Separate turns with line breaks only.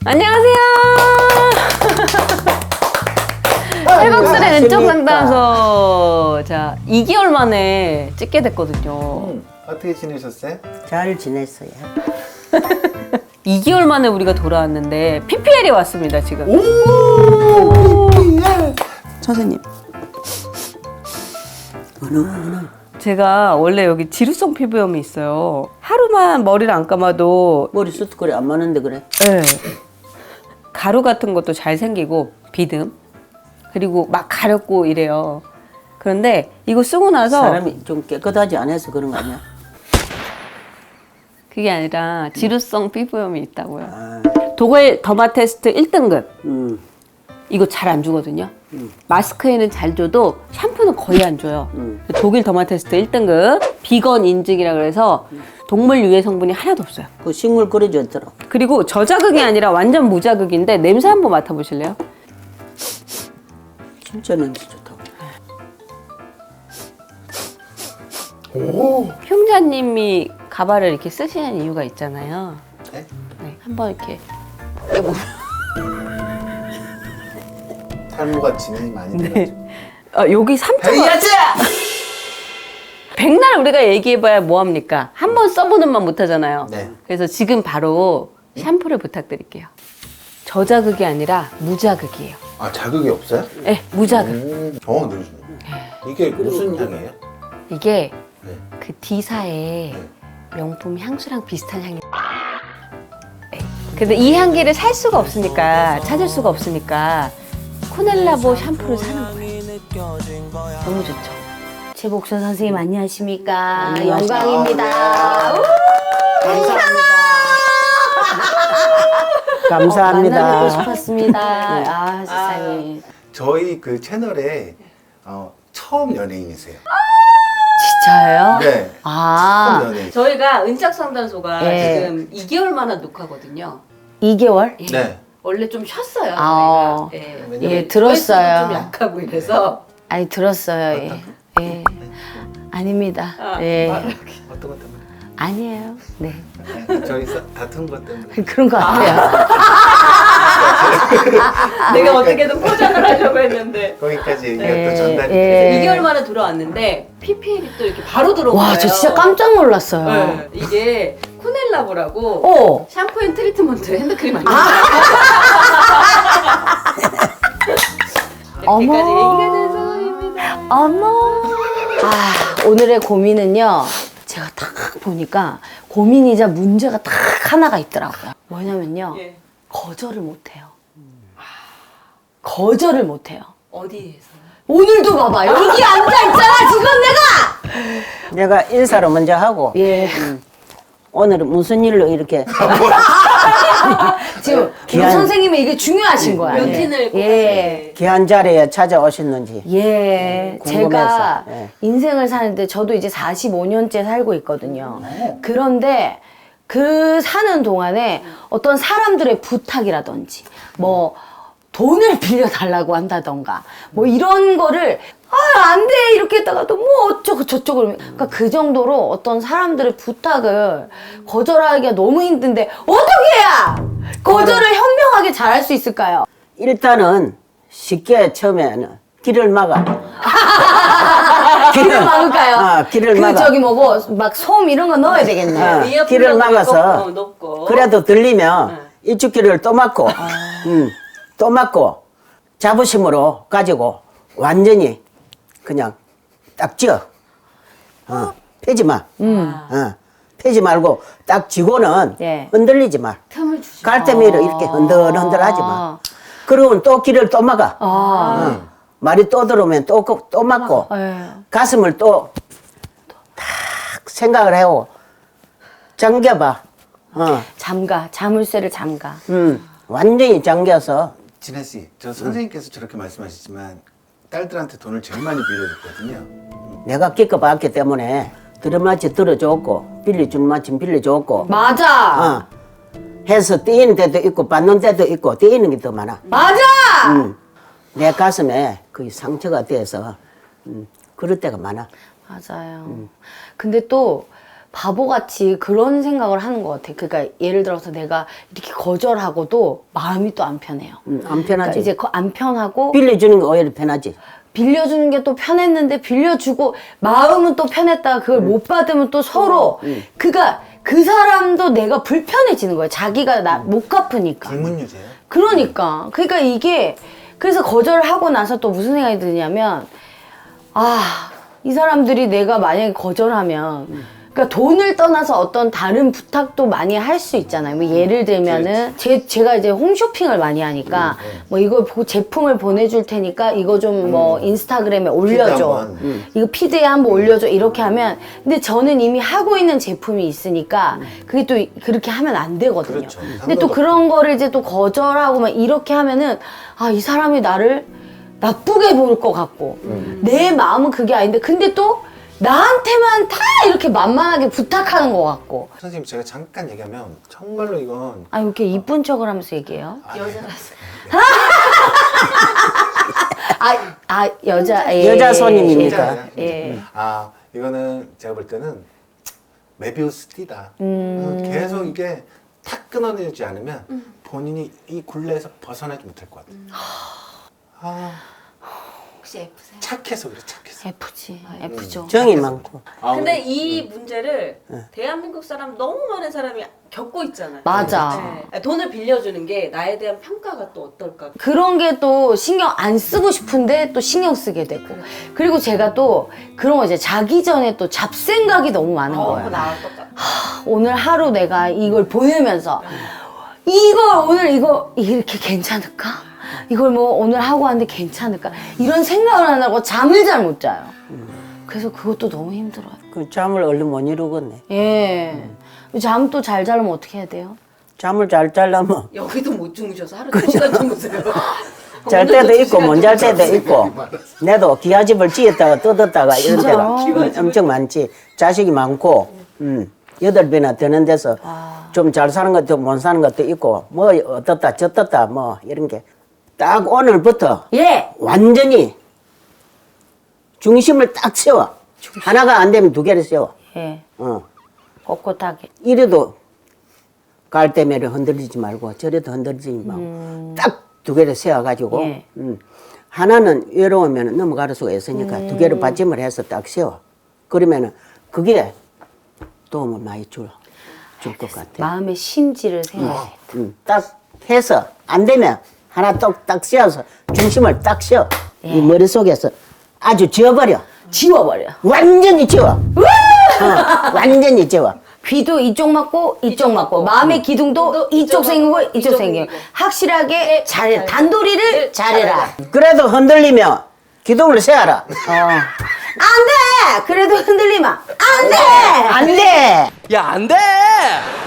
안녕하세요. 회복술의 왼쪽 상담소. 자, 2개월 만에 찍게 됐거든요.
어떻게 지내셨어요?
잘 지냈어요.
2개월 만에 우리가 돌아왔는데 PPL이 왔습니다, 지금.
오! PPL!
선생님.
제가 원래 여기 지루성 피부염이 있어요. 하루만 머리를 안 감아도
머리숱 그래 안 많은데 그래.
네. 가루 같은 것도 잘 생기고 비듬 그리고 막 가렵고 이래요. 그런데 이거 쓰고 나서
사람이 좀 깨끗하지 않아서 그런 거 아니야?
그게 아니라 지루성 피부염이 있다고요.
아,
독일 더마 테스트 1등급
음,
이거 잘 안 주거든요. 마스크에는 잘 줘도 샴푸는 거의 안 줘요. 독일 더마 테스트 1등급 비건 인증이라 그래서 동물 유해 성분이 하나도 없어요.
그 식물 끓여줬더라.
그리고 저자극이 아니라 완전 무자극인데 냄새 한번 맡아보실래요?
진짜 냄새 좋다고.
오!
흉자님이 가발을 이렇게 쓰시는 이유가 있잖아요.
네?
네, 한번 이렇게
탈모가 진행이 많이 돼가지고.
여기 3초가
해야지!
백날 우리가 얘기해봐야 뭐합니까? 한 번 써보는 만 못하잖아요.
네.
그래서 지금 바로 샴푸를 부탁드릴게요. 저자극이 아니라 무자극이에요.
아, 자극이 없어요?
네, 무자극.
네, 좋네. 이게 무슨 향이에요?
이게
네.
그 D사의
네.
명품 향수랑 비슷한 향이. 네. 근데 이 향기를 살 수가 없으니까 찾을 수가 없으니까 코넬라보 샴푸를 사는 거예요. 너무 좋죠.
최복선 선생님 안녕하십니까?
안녕하세요.
영광입니다.
감사합니다.
만나뵙고 싶었습니다. 아 세상에.
저희 그 채널에 처음 연예인이세요.
진짜요?
네.
아
처음 연예인.
저희가 은작 상담소가
네.
지금 2개월 만에 녹화거든요.
2개월?
예.
네.
원래 좀 쉬었어요.
아.
저희가. 예.
왜냐면
예 들었어요.
좀 약하고 이래서.
아니 들었어요. 예. 예. 아닙니다. 예.
어떤 것 때문에?
아니에요. 네.
저희 다툰 것 때문에.
그런 것 같아요.
내가 어떻게든 포장을 하려고 했는데.
거기까지 얘기가
예,
또 전달이
예.
돼요.
2개월 만에 돌아왔는데 PPL이 또 이렇게 바로 들어온 거예요.
와 저 진짜 깜짝 놀랐어요.
네. 이게 코넬라보라고
어.
샴푸 앤 트리트먼트 핸드크림 아니에요?
어머.
여기까지 얘기가 돼서입니다.
어머. 아 오늘의 고민은요. 제가 딱 보니까 고민이자 문제가 딱 하나가 있더라고요. 뭐냐면요.
예.
거절을 못해요. 거절을 못해요.
어디에서?
오늘도 봐봐 여기 앉아있잖아 지금 내가.
내가 인사를 먼저 하고
예.
오늘은 무슨 일로 이렇게
지금
귀한-
선생님은 이게 중요하신 거야.
루틴을 꼭
예.
귀한 자리에 찾아오셨는지.
예,
궁금해서.
제가
예.
인생을 사는데 저도 이제 45년째 살고 있거든요. 그런데 그 사는 동안에 어떤 사람들의 부탁이라든지 뭐 돈을 빌려달라고 한다던가 뭐 이런 거를 안 돼! 이렇게 했다가도 뭐 어쩌고 저쩌고 그러니까 그 정도로 어떤 사람들의 부탁을 거절하기가 너무 힘든데 어떻게 해야 거절을 현명하게 잘할 수 있을까요?
일단은 쉽게 처음에는 길을 막아.
길을 막을까요?
길을
그
막아.
저기 뭐고 막 솜 이런 거 넣어야 되겠네.
어,
위에
길을
불러도
막아서
높고.
그래도 들리면 이쪽 길을 또 막고 또 막고 자부심으로 가지고 완전히 그냥 딱 쥐어. 펴지 마. 펴지 말고 딱 쥐고는
예.
흔들리지 마.
틈을 주시.
갈대미로 이렇게 흔들흔들 하지 마. 그러고는 또 길을 또 막아. 말이 또 들어오면 또 막고
예.
가슴을 또 딱 생각을 해오고 잠겨봐.
자물쇠를 잠가.
완전히 잠겨서
진아 씨, 저 선생님께서 저렇게 말씀하시지만 딸들한테 돈을 제일 많이 빌려줬거든요.
내가 겪어봤기 때문에 들어마치 들어줬고 빌려주는 마침 빌려줬고
맞아.
해서 떼이는 데도 있고 받는 데도 있고 떼이는 게 더 많아.
맞아.
내 가슴에 그 상처가 돼서 그럴 때가 많아.
맞아요. 근데 또 바보같이 그런 생각을 하는 것 같아. 그러니까 예를 들어서 내가 이렇게 거절하고도 마음이 또 안 편해요.
안 편하지.
그러니까 이제 안 편하고
빌려주는 거 오히려 편하지.
빌려주는 게 또 편했는데 빌려주고 마음은 또 편했다가 그걸 못 받으면 또 서로 그러니까 그 사람도 내가 불편해지는 거야. 자기가 나 못 갚으니까.
불문율이에요.
그러니까 이게 그래서 거절하고 나서 또 무슨 생각이 드냐면 이 사람들이 내가 만약에 거절하면 그러니까 돈을 떠나서 어떤 다른 부탁도 많이 할 수 있잖아요. 뭐 예를 들면은 제가 이제 홈쇼핑을 많이 하니까 뭐 이거 제품을 보내줄 테니까 이거 좀 뭐 인스타그램에 올려줘. 이거 피드에 한번 올려줘. 이렇게 하면 근데 저는 이미 하고 있는 제품이 있으니까 그게 또 그렇게 하면 안 되거든요.
그렇죠.
근데 또 그런 거를 이제 또 거절하고 막 이렇게 하면은 이 사람이 나를 나쁘게 볼 것 같고 내 마음은 그게 아닌데 근데 또 나한테만 다 이렇게 만만하게 부탁하는 것 같고.
선생님 제가 잠깐 얘기하면 정말로 이건
왜 이렇게 이쁜 척을 하면서 얘기해요?
여자 손님이니까.
예.
이거는 제가 볼 때는 메비우스 띠다. 계속 이게 탁 끊어내지 않으면 본인이 이 굴레에서 벗어나지 못할 것 같아요.
혹시 F세요?
착해서 그래, 착해서.
F지. F죠.
정이 많고.
근데 이 문제를 대한민국 사람 너무 많은 사람이 겪고 있잖아요.
맞아.
네. 돈을 빌려주는 게 나에 대한 평가가 또 어떨까?
그런 게 또 신경 안 쓰고 싶은데 또 신경 쓰게 되고. 그리고 제가 또 그런 거 이제 자기 전에 또 잡생각이 너무 많은 거예요.
나랑 똑같아.
오늘 하루 내가 이걸 보내면서 이거 이렇게 괜찮을까? 이걸 뭐 오늘 하고 왔는데 괜찮을까? 이런 생각을 안 하고 잠을 잘 못 자요. 그래서 그것도 너무 힘들어요.
그 잠을 얼른 못 이루겠네.
예. 잠 또 잘 자려면 어떻게 해야 돼요?
잠을 잘 자려면
여기도 못 주무셔서 하루 2시간 주무세요.
잘 때도 있고 못 잘 때도 있고. 내도 기아집을 지었다가 뜯었다가 이런 때가 엄청 많지. 자식이 많고 8배나 되는 데서 좀 잘 사는 것도 못 사는 것도 있고 뭐 어떻다 저떻다 뭐 이런 게 딱 오늘부터
예.
완전히 중심을 딱 세워. 하나가 안 되면 2개를 세워.
예.
어.
꼿꼿하게.
이래도 갈대매를 흔들리지 말고 저래도 흔들리지 말고 딱 2개를 세워가지고
예.
하나는 외로우면 넘어갈 수가 있으니까 2개를 받침을 해서 딱 세워. 그러면은 그게 도움을 많이 줄 것 같아.
마음의 심지를 세워야 돼.
딱 해서 안 되면 하나 딱 세워서 중심을 딱 세워. 이 머릿속에서 아주 지워버려.
지워버려.
완전히 지워. 완전히 지워.
귀도 이쪽 맞고 이쪽 맞고 마음의 기둥도 이쪽 생기고 이쪽 생기고 확실하게 잘해. 단도리를 잘해라.
그래도 흔들리면 기둥을 세워라.
안 돼! 그래도 흔들리면 안 돼!
안 돼!
야, 안 돼!